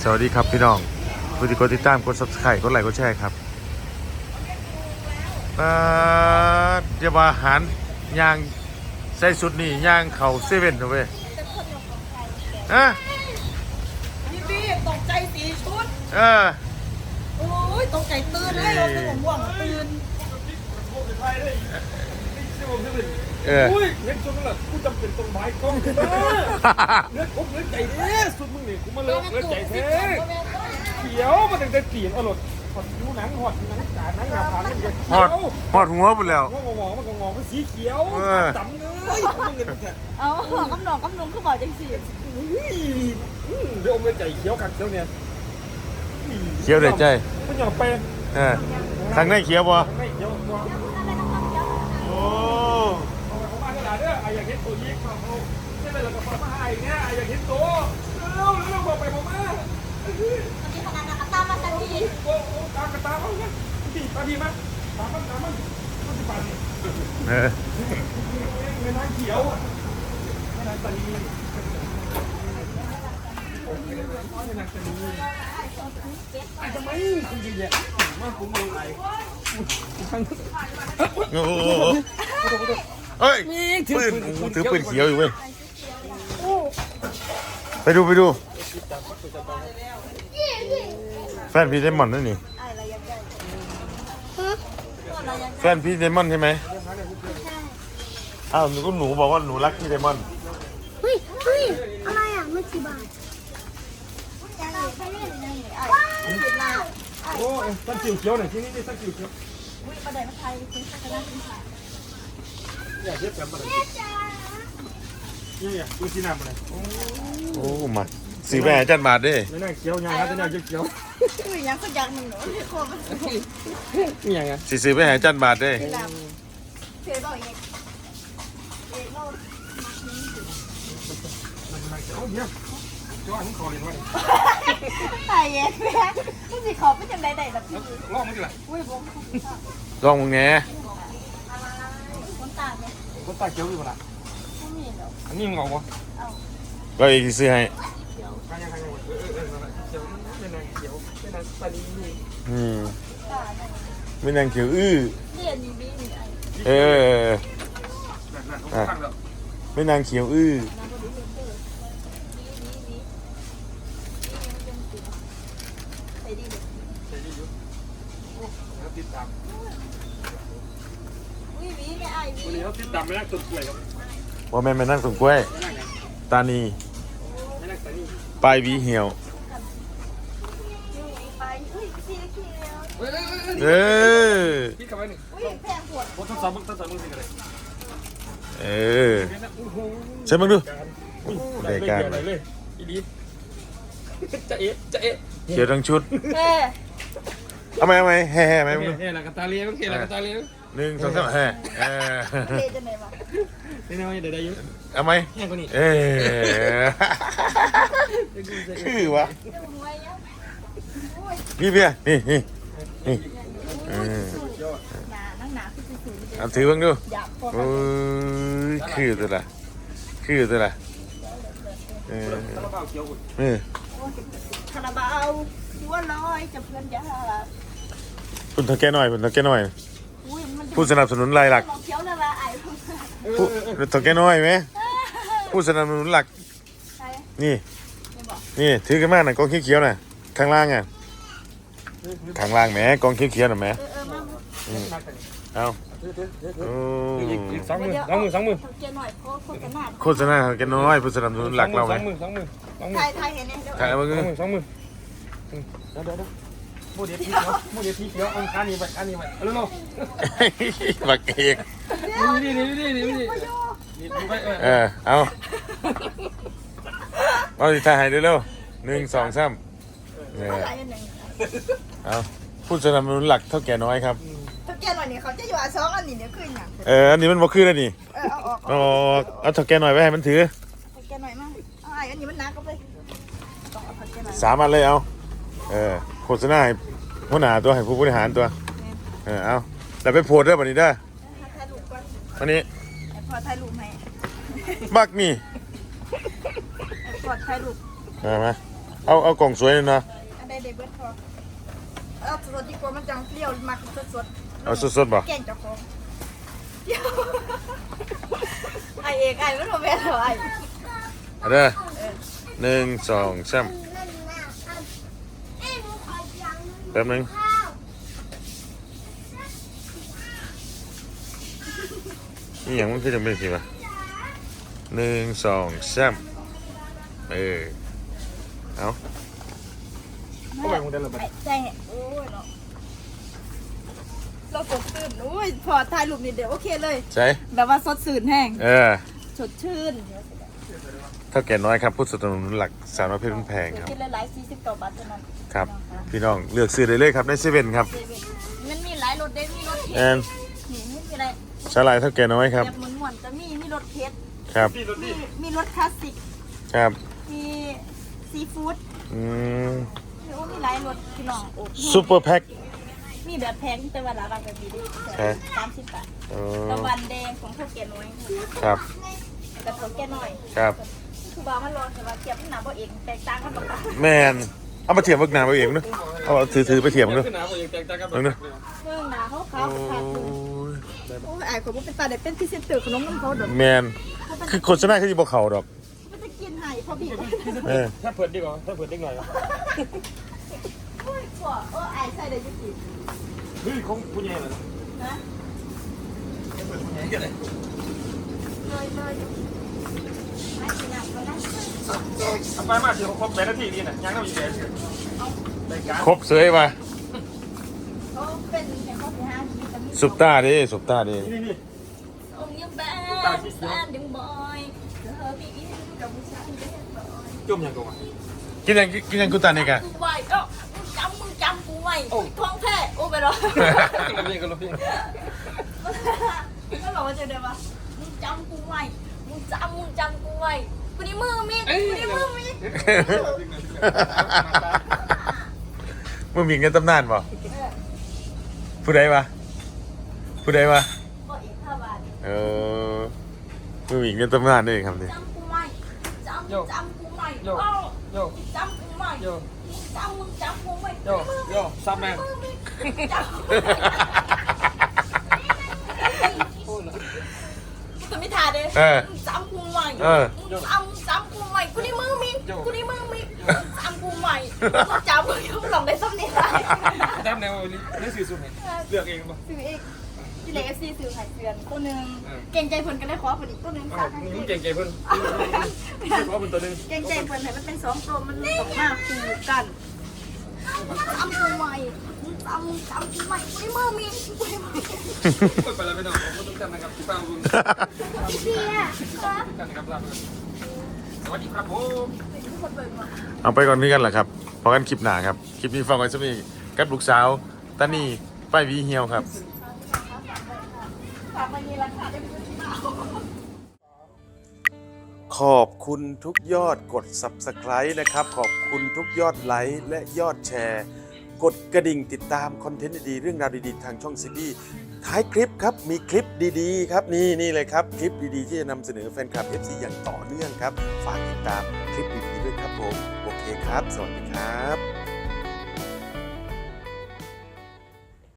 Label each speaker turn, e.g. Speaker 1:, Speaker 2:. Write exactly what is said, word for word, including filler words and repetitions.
Speaker 1: สวัสดีครับพี่น้องผู้ที่กดติดตามกด ซับสไครบ์ กดไลค์กดแชร์ครับอ่าเดี๋ยวว่าอาหารย่างใส่สุดนี่ย่างเข่าเซเว่นเอาไว้ฮะ
Speaker 2: พี่พี่ตกใจสีชุด
Speaker 1: เออ
Speaker 2: โอ้ยตกใจตื่นเลยเราตื่นห่วงตื่น
Speaker 1: เออ
Speaker 3: อุ้ยเห็นจนนั่นแหละกูจำเป็นต้องไม้กล้องเนื้อครบเนื้อใจเด้สุดมึงนี่กูมาเลิกเนื้อใจแท้เขียวมาตั้งแต่เปลี่ยนอรรถหอดดูหนังหอดหนังจ่าหนังหนาผากมันจะ
Speaker 1: หอดหอดหัวหมดแล้ว
Speaker 3: งองงมันงองมันสีเขียวจำเลยมึงเงินแค่
Speaker 2: เอาหัวกำนองกำนงคือบอกจังสิ
Speaker 3: เดี๋ยวอมเนื้อใจเขียวกันเขียวเนี่ย
Speaker 1: เขียวได้ใจ
Speaker 3: มันหยาบไป
Speaker 1: เออทางไหนเขียวบ่
Speaker 3: ไม่เขียว
Speaker 1: โอ้
Speaker 3: เขามาขนาดนี้ไอ้อยากเห็นตัวยิงมาเขาใช่ไหมล่ะกับฟ้ามาไอ้เนี่ยไอ้อยากเห็นตัวเร็วเร็วบอกไปบอกมา
Speaker 2: มีขนาดนักตามมาทันที
Speaker 3: โอ้โหตามกันตามเขาเนี่ยตีตาดีมั้ยตามมันตามมันมันจะปั่น
Speaker 1: เออ
Speaker 3: เงินน้ำเขียวเงินน้ำตาลีโอ้ยเงินน้ำตาลีไอ้ทำไมคุณยิงเนี่ยมาผมมองไหน
Speaker 1: โอ้โหเฮ้ยปืนถือปืนเขียวอยู่เว้ยไปดูไปดูแฟนพี่เดมอนนั่นนี่แฟนพี่เดมอนใช่ไหมอ้าวหนูก็หนูบอกว่าหนูรักพี่เดมอน
Speaker 4: เฮ้ยเฮ้ยอะไรอ่ะไม่กี่บาท
Speaker 3: โอ้ยตั้งจิ๋วเขียวหน่อยที่นี่ตั้งจิ๋วเขียว
Speaker 2: ประเดี๋ยวมาไทยคุณสักการะคุณค่ะ
Speaker 3: อยากเย็บกันมาเลยเนี่ยดูสีน้ำมาเลย
Speaker 1: โอ้มาสีแม่จันบาทดิ
Speaker 3: ไม่น่าเขียวยังนะแต่น่าเขียว
Speaker 2: คือยังก็ยังหนึ่งหนูที่คอมัน
Speaker 3: นี่ยังไง
Speaker 1: สีสีแม่จันบาทดิ
Speaker 2: เสียบอกเองเองเรา
Speaker 3: เอาเดี๋ยวจ้าผมขอเรียนว่า
Speaker 2: ตายเองแม่ผู้สิขอเป็นจังไดได้ล่ะพี่
Speaker 3: ลองมันดิล่ะ
Speaker 2: อุ้ยบ่
Speaker 1: ลองมึงแง่
Speaker 2: คนตาเนี่ย
Speaker 3: คนตาเขียวอยู่ป่ะล่ะอันนี้มึงเอาปะ
Speaker 1: ก็อีกซื้อให้
Speaker 3: ใครยังใครยังเออเออเขียวเป็นนางเขียวเป็นนางตาลี
Speaker 1: อืมไม่นางเขียวอื้อเออไม่นางเขียวอื้อ
Speaker 3: ติดตาม
Speaker 2: วิวิไม่ไอ้วิ
Speaker 3: วันนี้เขาติดตามไม่นั่งต้นกล้วยครับ
Speaker 1: ว่าแม่ไม่นั่งต้นกล้วยตานีปลายวีเหี่ยวเออ
Speaker 3: พี่ขับไปหนึ่ง
Speaker 2: แพงปวด
Speaker 3: ทดสอบมึงทดสอบมึงสิกันเลย
Speaker 1: เออใช่มึงดู
Speaker 3: รายการอะไรเลยอีดีจะเอ๊ะจะเอ๊ะ
Speaker 1: เขียวทั้งชุด
Speaker 2: เฮ้
Speaker 1: เอาไหมเอาไหมแห่แห่ไหมมึง
Speaker 3: เฮ้ละกตาเลี้ยงเฮ้ละกตาเลี้ยง
Speaker 1: หนึ่งสองสามแห่เออ
Speaker 2: เฮ้จะไหนวะ
Speaker 3: นี่นะเดี๋ยวได้ยุ่ง
Speaker 1: เอาไหม
Speaker 3: แห่กว่านี้
Speaker 1: เออคือวะพี่เบียร์นี่นี่นี่เอาถือบ้างดูโอ้ยคือตัวละคือตัวละเออเออ
Speaker 2: คาราบาวหัวลอยจะเพื่อนยา
Speaker 1: คุณทำแก้หน่อยคุณทำแก้หน่อยผู้สนับสนุนรายหลักผู้ทำแก้น้อยไหมผู้สนับสนุนหลักนี่นี่ถือกันมากหน่อยกองเขียวๆหน่อยข้างล่างอ่ะข้างล่างแหมกองเขียวๆหน่อยแหมเอา
Speaker 3: สองมือสองมือสองมือ
Speaker 1: โฆษณาแกน้อยผู้สนับสนุนหลักเราไหม
Speaker 3: สองมือสองมือสองมือ
Speaker 2: ไทยไทยเห็นไหม
Speaker 1: ถ่ายมือ
Speaker 3: สองมือเดี๋ยวเดี๋ยวโมเดลพีเขียวโมเดลพีเขียวอันคันนี้ไปอันนี้ไปเอาเร็ว
Speaker 1: ๆบักเอก
Speaker 3: นี่นี่นี่นี่นี่
Speaker 1: เออเอาเอาสิถ่ายให้เร็วๆหนึ่งสองสามเอาผู้สนับสนุนหลักเท่าแก่น้อยครับ
Speaker 2: เท่าแก่หน่อยนี่เขาจะอยู่อ่ะสองอันนี้เดี๋ยวขึ้นอย่าง
Speaker 1: เอออันนี้มันบ่ขึ้นแล้วนี่
Speaker 2: เออเอาออก
Speaker 1: เอาเอาเท่าแก่หน่อยไว้ให้มันถือ
Speaker 2: เท่าแก่หน่อยมาเอาไอ้อันนี้มันหนักก็ไป
Speaker 1: สามอันเลยเอาเออโฆษณาให้หัวหน้าตัวให้ผู้บริหารตัวเออเอาแต่ไปโพสด้วยวันนี้ได้วันนี้
Speaker 2: พอถ่ายรูปให้
Speaker 1: บักนี่
Speaker 2: พอถ่ายรูป
Speaker 1: มามาเอาเอากล่องสวยเลยเนาะ
Speaker 2: อันใดเดเบิร์ตพอเอาสดดีกว่ามันจังเปรี้ยวมักสดสด
Speaker 1: เอาสดๆบ่
Speaker 2: แกงเจ้าของเดี๋ยวไอเอกไอไม่รู้แม่เหรอไอ
Speaker 1: เอาเด้อหนึ่งสองสามแป๊บนึงนี่อย่างมันคือจะเป็นสิวะหนึ่งสองสามเออเอา
Speaker 3: เข้าไปมึงได้เลยปะ
Speaker 2: ไอ้ใจโอ้ยเนาะเราสดชื่นโอ้ยพอถ่ายรูปนี่เดี๋ยวโอเคเลย
Speaker 1: ใช่
Speaker 2: แบบว่าสดชื่นแห้ง
Speaker 1: เออ
Speaker 2: สดชื่น
Speaker 1: เท่าแก่น้อยครับผู้สนับสนุนหลักสามร้อยเพชรแพงครับ
Speaker 2: กินหลายๆสี่สิบเก้าบาทเท่านั้น
Speaker 1: ครับ พี่น้องเลือกซื้อได้เลยครับในเซเว่นครับ
Speaker 2: เซเว่นมันมีหลายรสเด้มีรสเผ็
Speaker 1: แอ
Speaker 2: ด
Speaker 1: น
Speaker 2: นี่ไม่มีอะไร
Speaker 1: สลายเท่าแก่น้อยครับ
Speaker 2: แบบหมุนๆจะมีมีรสเผ็ด
Speaker 1: ครับ
Speaker 3: พี่รถ
Speaker 2: มี
Speaker 3: นี่
Speaker 2: มีรสคลาสสิก
Speaker 1: ครับ
Speaker 2: มีซีฟู้ด
Speaker 1: อืม
Speaker 2: มีโอ้มีหลายรสพี่น้องโอ้
Speaker 1: ซูเปอร์แพ็ค
Speaker 2: มีแบบแพงแต่ว่าราคาแบบดี
Speaker 1: ใช่
Speaker 2: สามสิบบาท
Speaker 1: เออ
Speaker 2: ตะวันแดงของเท่าแก่น้อย
Speaker 1: ครับ
Speaker 2: กระเท่าแก่น้อย
Speaker 1: ครับ
Speaker 2: คือบามันร้อนแต่ว่าเทียบมันหนาบ่เองแตกต่างกันปกติ
Speaker 1: แมนเอามาเทียมบักหนาไปเองเนอะเอาถือถือไปเทียมเนอะ
Speaker 3: ขึ้นหนาผมยังแตกต่างกัน
Speaker 1: เอาเนอะ
Speaker 2: เรื่องหนาเขาเขา
Speaker 1: โอ้
Speaker 2: ขาดทุน
Speaker 1: ย
Speaker 2: โอ้ยไอ้คนบ่เป็นตาเด็กเป็นพรีเซนเตอร์ขนมน้ำเขาเด้อ
Speaker 1: แมนคือโฆษณาคือที่บอกเขาดอก
Speaker 2: มันจะกินให้พอบี
Speaker 1: เออ
Speaker 3: ถ้าเปิดดีกว่าถ้าเปิดได้หน่อย
Speaker 2: โอ้ยกว่าเออไอ้ใส่ได้ยังกิน
Speaker 3: เฮ้ยของผู้ใหญ่เลย
Speaker 2: นะ
Speaker 3: เกี่ยวอะไร
Speaker 2: เลยเลยไอ้กินอ่ะก็ได้
Speaker 3: ทำไปมากเชียวครบแปดนาทีนี่นะยังต้องอีกแปดรายการ
Speaker 1: ครบเสยมา
Speaker 2: เขาเป็นแค่ข้อที่ห้าที่จะมี
Speaker 1: สุปตาดิสุปตาดิ
Speaker 3: นี่นี่
Speaker 2: องค์ยังแบดแซนดึงบอยเธอพี่อินกับผู้ชายเด็กบอย
Speaker 3: จุ่มยังกงอ่ะ
Speaker 1: กินยังกินยังกูตานี่กะ
Speaker 2: กูไว้ก็มึงจำมึงจำกูไว้ท้องแท้โอ้ไปรอ
Speaker 3: กันละเพียงกันละเพียง
Speaker 2: ก็บอกว่าจะเดี๋ยวว่ามึงจำกูไว้มึงจำมึงจำกูไว้กูนี่มือมีกูนี่มือมี
Speaker 1: มึงมีเงินตำนานป่ะผู้ใดวะผู้ใดวะ
Speaker 2: บอกอีกห้าบาท
Speaker 1: เออมึงมีเงินตำนานด้วยครับนี่
Speaker 2: จำกูไว้จำจำกูไว้เอ้า
Speaker 3: โย
Speaker 2: จำกูไว้
Speaker 3: โย
Speaker 2: จำมึงจำกูไว้
Speaker 3: โยโยซับแมน
Speaker 2: มือมีจำกูไม่ทาเด้จำกูไว้จำจำกูไว้กูนี่มือมีกูนี่มือมีจำกูไว้จำกูเขาหลงได้ซ้ำนี่ไร
Speaker 3: แต้มแนวนี่สื่อสุดเลือกเองป่ะ
Speaker 2: ซื้ออีกที่เล็กเอฟซีซื้อไข่เตือนตัวหนึ่งเก่งใจเพิ่นก็ได้ขอผลิตตัวหนึ่ง
Speaker 3: อ้า
Speaker 2: ค่ะ
Speaker 3: วมึงเก่งใจเพิ่นเพราะเป็นตัวนึง
Speaker 2: เก่งใจเพิ่นให้มันเป็นสองตัวมันสองหน้าคู่กันจำกูใหม่จำจำกูใหม่กูได้มือมีกูได้มือ
Speaker 3: ไปแล้วไปหน่อยผมต้องจำนะครับที่ป้าบุญ
Speaker 2: พี่เบียร์
Speaker 3: กันนะครับลาสวัสดีครับผม
Speaker 2: ทุกคนเปิดมา
Speaker 1: เอาไปก่อนพี่กันแหละครับพอกันคลิปหนาครับคลิปนี้ฟังไว้สักนิดกับลูกสาวตานี่ป้ายวีเฮียวครับ
Speaker 2: ฝากมามีราคาได้เป็นที่มา
Speaker 1: ขอบคุณทุกยอดกด ซับสไครบ์ นะครับ ขอบคุณทุกยอดไลค์และยอดแชร์ กดกระดิ่งติดตามคอนเทนต์ดีๆเรื่องราวดีๆ ทางช่องซีบีท้ายคลิปครับ มีคลิปดีๆ ครับ นี่นี่เลยครับ คลิปดีๆ ที่จะนำเสนอแฟนคลับ เอฟ ซี อย่างต่อเนื่องครับ ฝากติดตามคลิปดีๆด้วยครับผม โอเคครับ สวัสดีครับ